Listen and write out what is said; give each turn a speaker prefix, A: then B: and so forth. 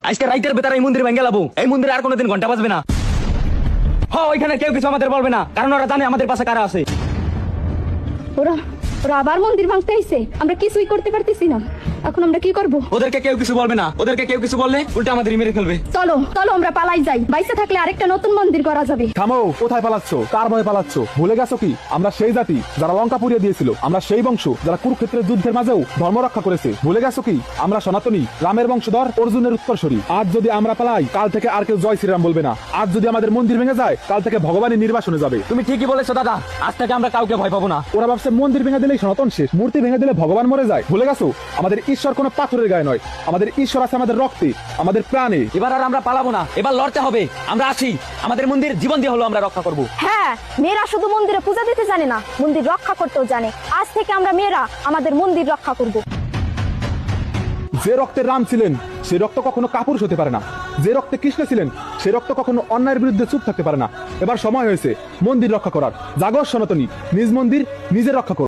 A: আজকে রাইতের ভেতরে এই মন্দির ভেঙে লাবো। এই মন্দিরে আর কোনোদিন ঘন্টা বাজবে না। হ্যাঁ, ওইখানে কেউ কিছু আমাদের বলবে না, কারণ ওরা জানে আমাদের পাশে কারা আছে।
B: ওরা ওরা আবার মন্দির ভাঙতে আইছে, আমরা কিছুই করতে পারতেছি না। এখন আমরা কি করব?
A: ওদেরকে কেউ কিছু বলবে না, ওদেরকে কেউ কিছু বললে উল্টা আমাদের মেরে ফেলবে।
B: চলো চলো আমরা পালাই যাই, বাইসে থাকলে আরেকটা নতুন মন্দির করা যাবে।
C: থামো, কোথায় পালাচ্ছ? কার ভয়ে পালাচ্ছ? ভুলে গেছো কি আমরা সেই জাতি যারা লঙ্কা পুড়িয়ে দিয়েছিল? আমরা সেই বংশ যারা কুরুক্ষেত্রের যুদ্ধের মাঝেও ধর্ম রক্ষা করেছে। ভুলে গেছো কি আমরা সনাতনী, রামের বংশধর, অর্জুনের উত্তরসূরি। আজ যদি আমরা পালাই, কাল থেকে আর কেউ জয় শ্রীরাম বলবে না। আজ যদি আমাদের মন্দির ভেঙে যায়, কাল থেকে ভগবানের নির্বাসনে যাবে।
A: তুমি ঠিকই বলেছো দাদা, আজ থেকে আমরা কাউকে ভয় পাবো না।
C: ওরা ভাবছে মন্দির ভেঙে দিলেই সনাতন শেষ, মূর্তি ভেঙে দিলে ভগবান মরে যায়। ভুলে গেছো আমাদের ঈশ্বর কোনো পাথরের গায়ে নয়, আমাদের ঈশ্বর আছে আমাদের রক্তে, আমাদের প্রাণে।
A: এবার আর আমরা পালাবো না, এবার লড়তে হবে। আমরা আছি, আমাদের মন্দির জীবন দিয়ে হলো আমরা রক্ষা করব।
D: হ্যাঁ, মেয়েরা শুধু মন্দিরে পূজা দিতে জানে না, মন্দির রক্ষা করতেও জানে। আজ থেকে আমরা মেয়েরা আমাদের মন্দির রক্ষা করব।
C: যে রক্তে রাম ছিলেন সে রক্ত কখনো কাপুরুষ হতে পারে না, যে রক্তে কৃষ্ণ ছিলেন সে রক্ত কখনো অন্যায়ের বিরুদ্ধে চুপ থাকতে পারে না। এবার সময় হয়েছে মন্দির রক্ষা করার। জাগো সনাতনী, নিজ মন্দির নিজে রক্ষা করো।